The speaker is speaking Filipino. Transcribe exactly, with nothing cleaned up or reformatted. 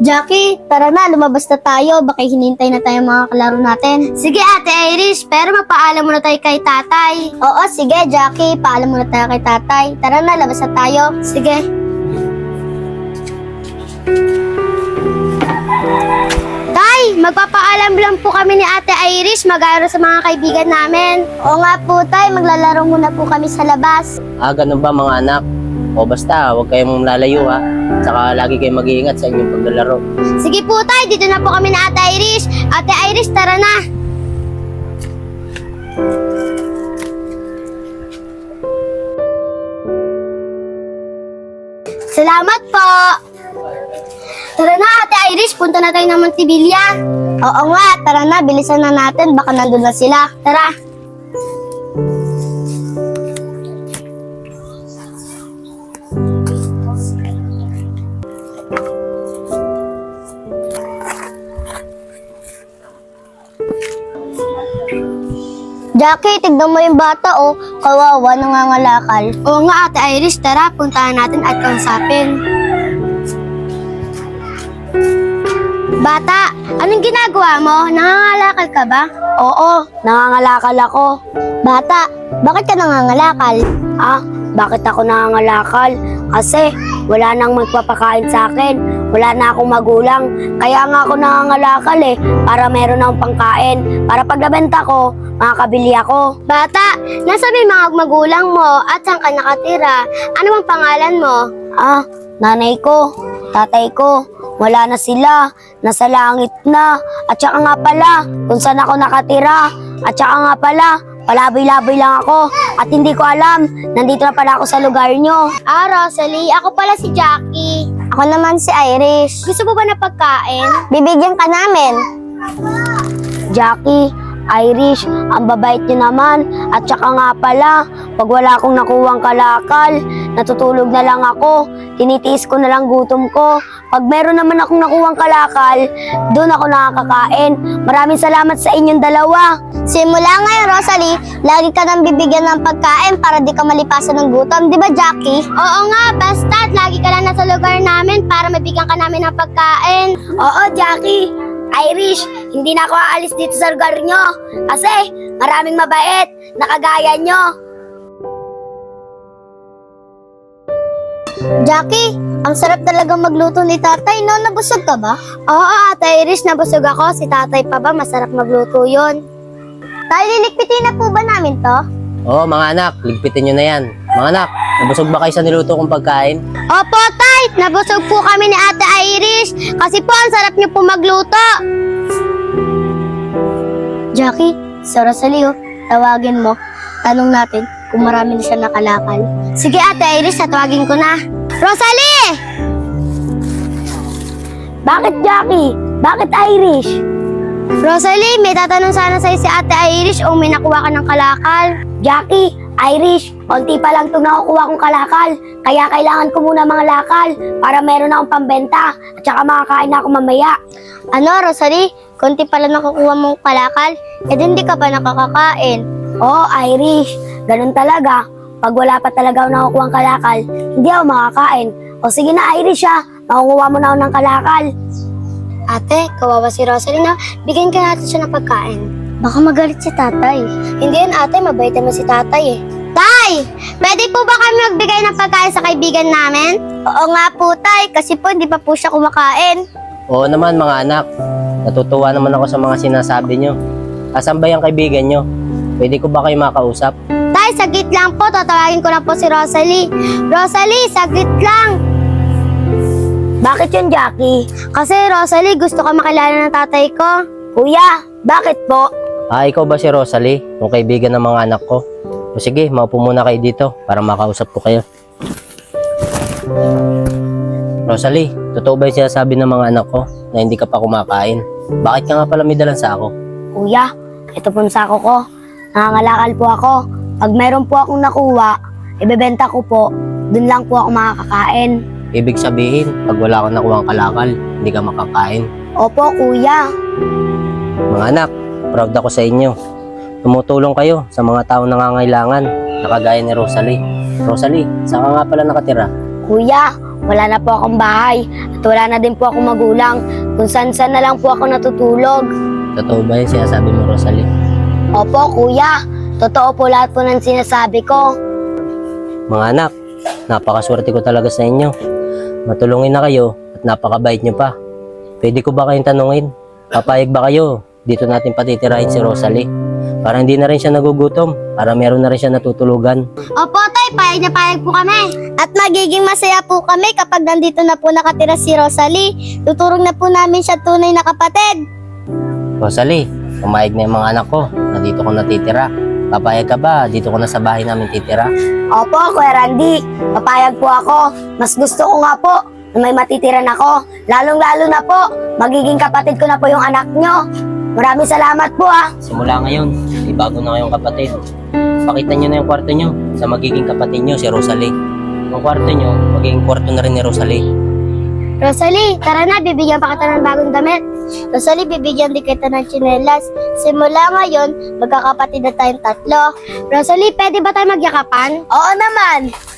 Jackie, tara na, lumabas na tayo. Baka hinintay na tayo mga kalaro natin. Sige, Ate Irish, pero mapaalam muna tayo kay tatay. Oo, sige, Jackie, paalam muna tayo kay tatay. Tara na, labas na tayo. Sige. Tay, magpapaalam lang po kami ni Ate Irish mag-aaral sa mga kaibigan namin. Oo nga po, Tay, maglalaro muna po kami sa labas. Ah, ganun ba mga anak? O basta, huwag kayong lalayo ha. Saka lagi kayong mag-iingat sa inyong paglalaro. Sige po, Tay, dito na po kami ni Ate Irish. Ate Irish, tara na. Salamat po. Tara na, Ate Irish, punta na tayo ng Montevilla. Oo nga, tara na, bilisan na natin, baka nandun na sila. Tara. Jackie, tignan mo yung bata, oh. Kawawa, nangangalakal. Oo nga, Ate Irish, tara, puntahan natin at kausapin. Bata, anong ginagawa mo? Nangangalakal ka ba? Oo, nangangalakal ako. Bata, bakit ka nangangalakal? Ah, bakit ako nangangalakal? Kasi wala nang magpapakain sa akin. Wala na akong magulang. Kaya nga ako nangangalakal eh, para meron akong pangkain. Para pag nabenta ko, makakabili ako. Bata, nasabi mga magulang mo at saan ka nakatira? Ano bang pangalan mo? Ah, nanay ko, tatay ko. Wala na sila, nasa langit na. At saka nga pala, kung saan ako nakatira. At saka nga pala, palaboy-laboy lang ako. At hindi ko alam, nandito na pala ako sa lugar nyo. Ah, Rosalie, ako pala si Jackie. Ako naman si Irish. Gusto mo ba na pagkain? Bibigyan ka namin. Jackie, Irish, ang babait niyo naman. At saka nga pala, pag wala akong nakuwang kalakal, natutulog na lang ako. Tinitiis ko na lang gutom ko. Pag meron naman akong nakuwang kalakal, doon ako nakakakain. Maraming salamat sa inyong dalawa. Simula ngayon, Rosalie, lagi ka nang bibigyan ng pagkain para di ka malipasan ng gutom. Di ba, Jackie? Oo nga, basta't lagi ka lang nasa lugar namin para mabigyan ka namin ng pagkain. Oo, Jackie. Irish, hindi na ako aalis dito sa lugar nyo. Kasi maraming mabait na kagaya nyo. Jackie, ang sarap talagang magluto ni tatay, no? Nabusog ka ba? Oo, Ate Irish, nabusog ako. Si tatay pa ba, masarap magluto yon. Tay, lilikpitin na po ba namin to? Oo mga anak, ligpitin nyo na yan. Mga anak, nabusog ba kayo sa niluto kong pagkain? Opo, Tay! Nabusog po kami ni Ate Irish kasi po ang sarap niyo po magluto. Jackie, sa Rosalie, oh, tawagin mo. Tanong natin kung marami na siya nakalakal. Sige, Ate Irish, tatawagin ko na. Rosalie! Bakit, Jackie? Bakit Irish? Rosalie, may tatanong sana sa'yo si Ate Irish o may nakuha ka ng kalakal. Jackie, Irish, konti pa lang itong nakukuha kong kalakal. Kaya kailangan ko muna mga lakal para meron akong pambenta at saka makakain na ako mamaya. Ano, Rosalie? Konti pa lang nakukuha mong kalakal? Eh, hindi ka pa nakakakain. Oo, Irish. Ganun talaga. Pag wala pa talaga ako nakukuha ng kalakal, hindi ako makakain. O sige na, Irish ha. Makukuha mo na ako ng kalakal. Ate, kawawa si Rosalie na. Bigyan ka natin siya ng pagkain. Baka magalit si tatay. Hindi yan, ate. Mabait naman si tatay eh. Tay! Pwede po ba kami magbigay ng pagkain sa kaibigan namin? Oo nga po, Tay. Kasi po, hindi pa po siya kumakain. Oo naman mga anak, natutuwa naman ako sa mga sinasabi nyo. Asan ba yung kaibigan nyo? Pwede ko ba kayo makausap? Tay, saglit lang po. Tatawagin ko lang po si Rosalie. Rosalie, saglit lang. Bakit yun, Jackie? Kasi Rosalie, gusto ka makilala ng tatay ko. Kuya, bakit po? Ah, ikaw ba si Rosalie? Yung kaibigan ng mga anak ko? O sige, maupo muna kayo dito para makausap ko kayo. Rosalie, totoo ba yung sinasabi ng mga anak ko na hindi ka pa kumakain? Bakit ka nga pala may dalang sako? Kuya, ito po yung sako ko. Nangangalakal po ako. Pag meron po akong nakuha, ibebenta ko po. Dun lang po ako makakakain. Ibig sabihin, pag wala kang nakuhang kalakal, hindi ka makakain. Opo, kuya. Mga anak, proud ako sa inyo. Tumutulong kayo sa mga taong nangangailangan na kagaya ni Rosalie. Rosalie, saan ka nga pala nakatira? Kuya, wala na po akong bahay at wala na din po akong magulang. Kung saan-saan na lang po ako natutulog. Totoo ba yung sinasabi mo, Rosalie? Opo, kuya. Totoo po lahat po ng sinasabi ko. Mga anak, napakaswerte ko talaga sa inyo. Matulungin na kayo at napakabait nyo pa. Pwede ko ba kayong tanungin? Papayag ba kayo? Dito natin patitirahin si Rosalie. Para hindi na rin siya nagugutom. Para meron na rin siya natutulugan. Opo, tay. Payag na payag po kami. At magiging masaya po kami kapag nandito na po nakatira si Rosalie. Tuturong na po namin siya tunay na kapatid. Rosalie, pumayag na yung mga anak ko na dito ko natitira. Papayag ka ba? Dito ko na sa bahay namin titira. Opo, Kuya Randy. Papayag po ako. Mas gusto ko nga po na may matitiran ako. Lalong-lalo na po, magiging kapatid ko na po yung anak nyo. Maraming salamat po ah. Simula ngayon, may bago na kayong kapatid. Pakita nyo na yung kwarto nyo sa magiging kapatid nyo, si Rosalie. Yung kwarto nyo, magiging kwarto na rin ni Rosalie. Rosalie, tara na, bibigyan pa kita ng bagong damit. Rosalie, bibigyan din kita ng tsinelas. Simula ngayon, magkakapatid na tayong tatlo. Rosalie, pwede ba tayo magyakapan? Oo naman.